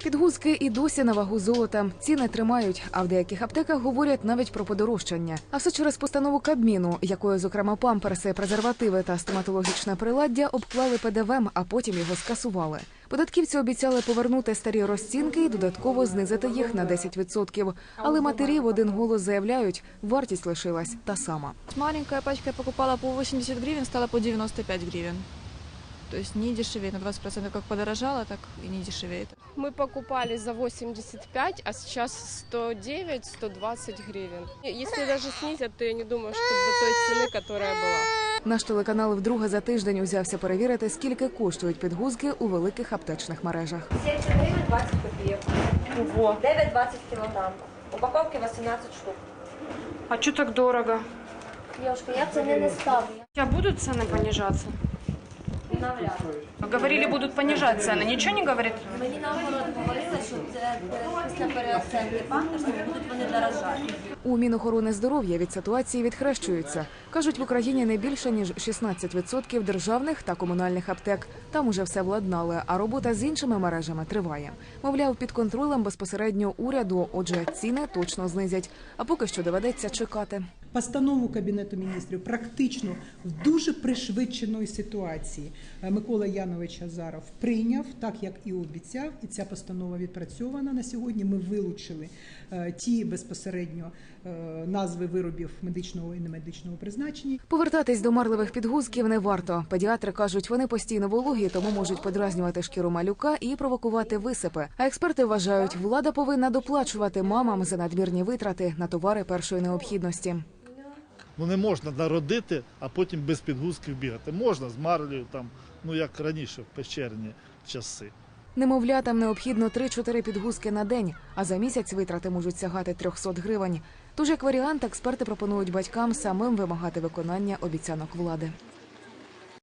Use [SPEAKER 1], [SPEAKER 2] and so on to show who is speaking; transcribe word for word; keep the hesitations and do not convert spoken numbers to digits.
[SPEAKER 1] Підгузки і досі на вагу золота. Ціни тримають, а в деяких аптеках говорять навіть про подорожчання. А все через постанову Кабміну, якою, зокрема, памперси, презервативи та стоматологічне приладдя обклали Пе Де Вем, а потім його скасували. Податківці обіцяли повернути старі розцінки і додатково знизити їх на десять відсотків. Але матері в один голос заявляють, вартість лишилась та сама.
[SPEAKER 2] Маленькая пачка я покупала по восемьдесят гривен, стала по девяносто пять гривен. То есть не дешевеет, на двадцать процентов как подорожало, так и не дешевеет.
[SPEAKER 3] Мы покупали за восемьдесят пять, а сейчас сто девять - сто двадцать гривен. Если даже снизят, то я не думаю, что до той цены, которая была.
[SPEAKER 1] Наш телеканал вдруге за тиждень узявся перевірити, скільки коштують підгузки у великих аптечних мережах.
[SPEAKER 4] сімдесят гривень двадцять копійок. Ого. дев'ять двадцять кілограм. Упаковки вісімнадцять штук.
[SPEAKER 5] А что так дорого?
[SPEAKER 4] Девушка, я ціни не ставлю.
[SPEAKER 5] А будут цены понижаться?
[SPEAKER 4] Навряд.
[SPEAKER 5] Говорили, будут понижать цены. Ничего не говорит?
[SPEAKER 4] Мені наоборот говорили, що це після переоценки памперсів будуть вони дорожати.
[SPEAKER 1] У Мінохорони здоров'я від ситуації відхрещуються. Кажуть, в Україні не більше, ніж шістнадцять відсотків державних та комунальних аптек. Там уже все владнали, а робота з іншими мережами триває. Мовляв, під контролем безпосередньо уряду, отже, ціни точно знизять. А поки що доведеться чекати.
[SPEAKER 6] Постанову Кабінету міністрів практично в дуже пришвидшеної ситуації Микола Янович Азаров прийняв, так як і обіцяв, і ця постанова відпрацьована на сьогодні. Ми вилучили ті безпосередньо назви виробів медичного і немедичного призначення.
[SPEAKER 1] Повертатись до марливих підгузків не варто. Педіатри кажуть, вони постійно вологі, тому можуть подразнювати шкіру малюка і провокувати висипи. А експерти вважають, влада повинна доплачувати мамам за надмірні витрати на товари першої необхідності.
[SPEAKER 7] Ну не можна народити, а потім без підгузків бігати. Можна з марлею, там, ну як раніше, в печерні часи.
[SPEAKER 1] Немовлятам необхідно три-чотири підгузки на день, а за місяць витрати можуть сягати трьохсот гривень. Тож, як варіант, експерти пропонують батькам самим вимагати виконання обіцянок влади.